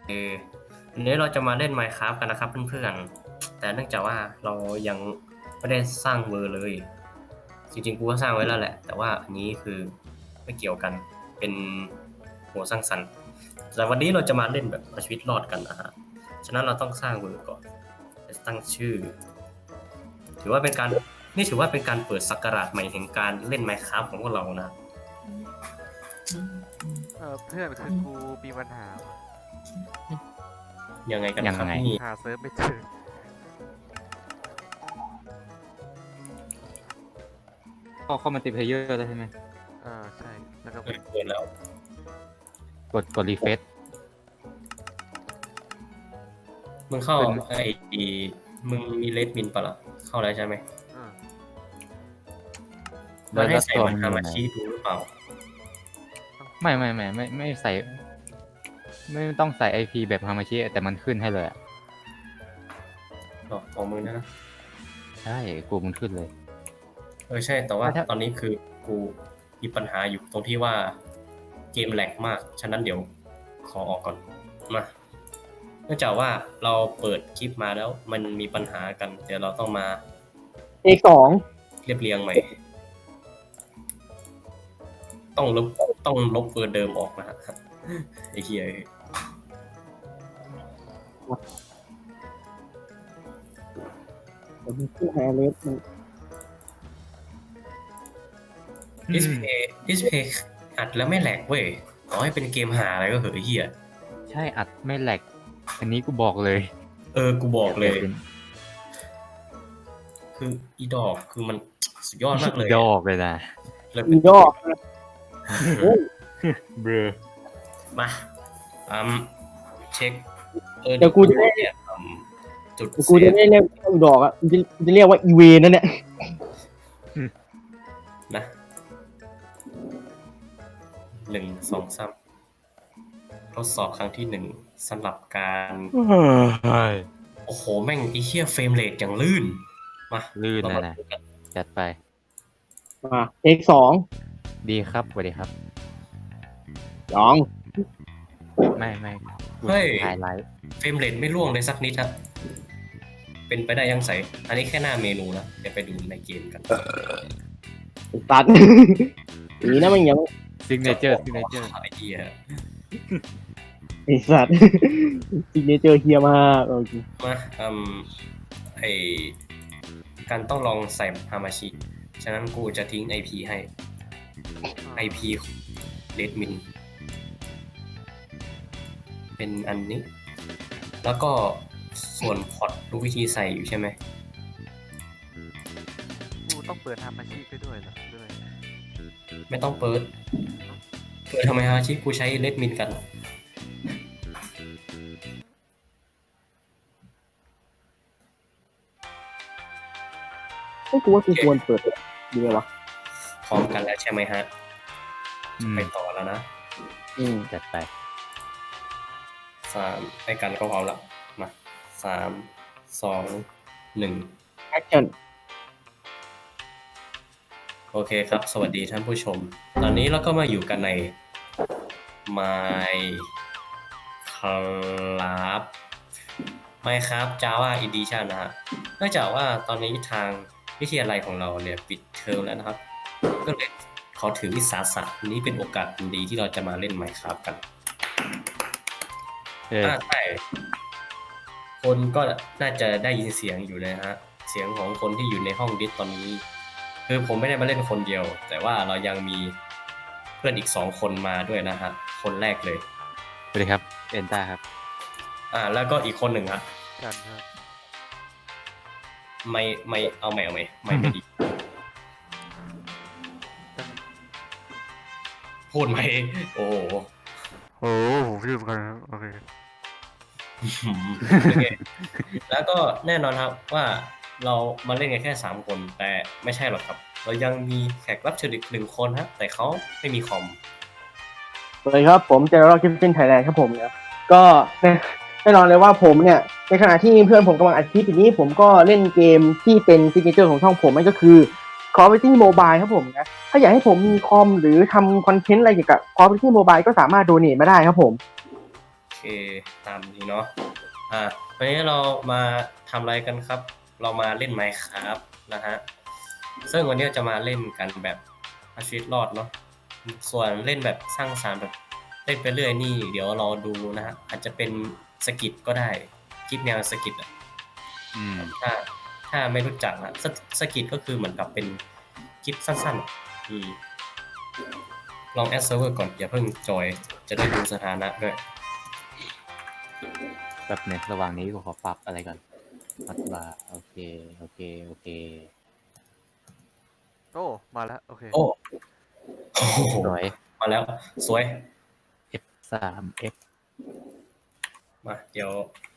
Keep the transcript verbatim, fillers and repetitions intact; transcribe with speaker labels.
Speaker 1: เออวันนี้เราจะมาเล่น Minecraft กันนะครับเพื่อนๆแต่เนื่องจากว่าเรายังไม่ได้สร้างเวอร์เลยจริงๆกูก็สร้างไว้แล้วแหละแต่ว่าอันนี้คือไม่เกี่ยวกันเป็นหัวสร้างสรรค์แต่วันนี้เราจะมาเล่นแบบเอาชีวิตรอดกันนะฮะฉะนั้นเราต้องสร้างเวอร์ก่อนจะตั้งชื่อถือว่าเป็นการนี่ถือว่าเป็นการเปิดศักราชใหม่แห่งการเล่น Minecraft ของพวกเรานะ
Speaker 2: เออเพื่อนคือกูมีปัญหาว่ะ
Speaker 1: ยังไงกัน
Speaker 3: ยัง
Speaker 1: ครับ
Speaker 3: ไง
Speaker 1: นี่
Speaker 2: หาเซิร์ฟไม่เจอ
Speaker 3: ก็เข้ามาติเพลเยอร์แล้วใช่ไหม
Speaker 2: เออใช่แล้วก็
Speaker 1: เออเปิดแล้ว
Speaker 3: กดกดรีเฟซ
Speaker 1: มึงเข้า
Speaker 3: เป็น
Speaker 1: ไอ้มึงมีเลดมินปะล่ะเข้าแล้วใช่ไหม
Speaker 2: เออ
Speaker 1: มันให้ใส่
Speaker 3: ตัว
Speaker 1: มัน
Speaker 3: มัน
Speaker 1: ฮา
Speaker 3: อยู่
Speaker 1: มา
Speaker 3: ไหน
Speaker 1: ชิดูหรือเปล่า
Speaker 3: ไม่ไม่ไม่ไม่ไม่ใส่ ไม่ต้องใส่ไอพีแบบฮามาชิแต่มันขึ้นให้เลยอะ
Speaker 1: หรอของมึงนะนะ
Speaker 3: ใช่กูมันขึ้นเลย
Speaker 1: เออใช่แต่ว่า
Speaker 3: ถ้า
Speaker 1: ตอนนี้คือกูมีปัญหาอยู่ตรงที่ว่าเกมแหลกมาก ฉะนั้นเดี๋ยวขอออกก่อนมาเนื่องจากว่าเราเปิดคลิปมาแล้วมันมีปัญหากัน เดี๋ยวเราต้องมา
Speaker 4: เอกสอง
Speaker 1: เรียบเรียงใหม่ ต้องลบต้องลบเบอร์เดิมออกนะฮะไอ้เหี้ย
Speaker 4: ผมชื่อไฮเลสมัน
Speaker 1: ดิสเพย์ดิสเพย์อัดแล้วไม่แหลกเว้ยต่อให้เป็นเกมหาอะไรก็เหอะไอ้เหี้ย
Speaker 3: ใช่อัดไม่แหลกอันนี้กูบอกเลย
Speaker 1: เออ กูบอกเลย
Speaker 3: เป็น
Speaker 1: คืออีดอกคือมันสุดยอดมากเลย
Speaker 3: ดอกเลยนะ
Speaker 1: เลย
Speaker 4: อีดอกโอ้ย
Speaker 3: เบรอ
Speaker 1: มาอืมเช็คเออ
Speaker 4: เดี๋ยวกูจะได้
Speaker 1: เนี่ยอืมจุด
Speaker 4: เดี๋ยวกูจะได้เรียกอีดอกอ่ะกูจะกูจะเรียกว่าอีเวนนั่นเนี่ย
Speaker 1: นะหนึ่งสองสามทดสอบครั้งที่หนึ่งสำหรับการ โอ้โห แม่งไอ้เหี้ยเฟรมเรทอย่างลื่น มา
Speaker 3: ลื่น
Speaker 1: เรา
Speaker 3: นะ
Speaker 1: มา
Speaker 3: นะ
Speaker 1: ดูกัน
Speaker 3: จัดไป
Speaker 4: มาเอกสอง
Speaker 3: ดีครับสวัสดีครับ
Speaker 4: สอง
Speaker 3: ไม่ไม่กู
Speaker 1: เฮ้ย
Speaker 3: ถ่ายไลฟ์
Speaker 1: เฟรมเรทไม่ร่วงเลยสักนิดครับเป็นไปได้ยังใสอันนี้แค่หน้าเมนูนะเดี๋ยวไปดูในเกมกัน
Speaker 4: ไอ้สัตว์ นี่นะมันยัง
Speaker 3: ซิงเนเจอร์ซิงเนเจอร์
Speaker 1: ไอ้เหี้ย
Speaker 4: ไอ้สัตว์ ซิกเนเจอร์เฮียมากโอเค
Speaker 1: มาอืมไอการต้องลองใส่ฮามาชิ ฉะนั้นกูจะทิ้ง ไอ พี ให้ ไอ พี Redmin เป็นอันนี้ แล้วก็ส่วนพอร์ตรู้วิธีใส่อยู่ใช่ไหม
Speaker 2: กูต้องเปิดทำอาชีพไปด้วยเหรอด้วย
Speaker 1: ไม่ต้องเปิด เปิดทำไมฮามาชิ กูใช้ Redmin กัน
Speaker 4: ไอ้ยกูว่ากูควรเปิดดีไหมวะ
Speaker 1: พร้อมกันแล้วใช่ไหมฮะ
Speaker 3: อืม
Speaker 1: ไปต่อแล้วนะ
Speaker 4: อืม
Speaker 3: จัดไป
Speaker 1: สามไปกันก็พร้อมแล้วมาสามสองหนึ่ง
Speaker 4: แอคชั่น
Speaker 1: โอเคครับ สวัสดีท่านผู้ชม ตอนนี้เราก็มาอยู่กันใน Minecraft Minecraft Java Edition นะฮะเนื่องจากว่าตอนนี้ทางวิทยาลัยของเราเนี่ยปิดเทอมแล้วนะครับ ก็เลยขอถือวิสาสะนี้เป็นโอกาสอันดีที่เราจะมาเล่น Minecraft กัน
Speaker 3: เออ
Speaker 1: อ่าใช่คนก็น่าจะได้ยินเสียงอยู่นะฮะ เสียงของคนที่อยู่ในห้องดิสตอนนี้ คือผมไม่ได้มาเล่นคนเดียว แต่ว่าเรายังมีเพื่อนอีกสองคนมาด้วยนะฮะ คนแรกเลย
Speaker 3: สวัสดีครับเอนต้าครับ
Speaker 1: อ่า แล้วก็อีกคนหนึ่งฮะ
Speaker 2: กันครับ
Speaker 1: ไม่ไม่เอาไม่เอาไม่ไม่ไม่ดี พูดไหมโอ้โห
Speaker 2: โอ้ผมชื่อกันครับโอเค
Speaker 1: โอเคแล้วก็แน่นอนครับว่าเรามาเล่นกันแค่สามคน แต่ไม่ใช่หรอกครับ เรายังมีแขกรับเชิญอีกหนึ่งคนฮะ แต่เขาไม่มีคอม
Speaker 4: สวัสดีครับผมเจอร์กิฟฟินไทยแลนด์ครับผมเนี่ยก็แน่แน่นอนเลยว่าผมเนี่ยในขณะที่เพื่อนผมกำลังอัดคลิปอย่างนี้ผมก็เล่นเกมที่เป็นซิกเนเจอร์ของช่องผมนั่นก็คือ Call of Duty Mobile ครับผมนะถ้าอยากให้ผมมีคอมหรือทำคอนเทนต์อะไรเกี่ยวกับ Call of Duty Mobile ก็สามารถโดเนทมาได้ครับผม
Speaker 1: เคตามนี้เนาะอ่าวันนี้เรามาทำอะไรกันครับ เรามาเล่น Minecraft นะฮะซึ่งวันนี้จะมาเล่นกันแบบเอาชีวิตรอดเนาะส่วนเล่นแบบสร้างสรรค์แบบเล่นไปเรื่อยนี่เดี๋ยวเราดูนะฮะอาจจะเป็นสกิทก็ได้คลิปแนวสกิทอ่ะ
Speaker 3: อืม
Speaker 1: ถ้าถ้าไม่รู้จักนะสสกิทก็คือเหมือนกับเป็นคลิปสั้นๆอะอืมลองแอดเซิร์ฟเวอร์ก่อนอย่าเพิ่งจอยจะได้ดูสถานะด้วย
Speaker 3: แบบเนี่ยระหว่างนี้กูขอปรับอะไรก่อนปรับว่าโอเค โอเค โอเค
Speaker 2: โอ้มาแล้วโอเค
Speaker 1: โอ้โอ้โห
Speaker 3: สวย
Speaker 1: มาแล้ว สวย
Speaker 3: F สาม F
Speaker 1: มาเดี๋ยว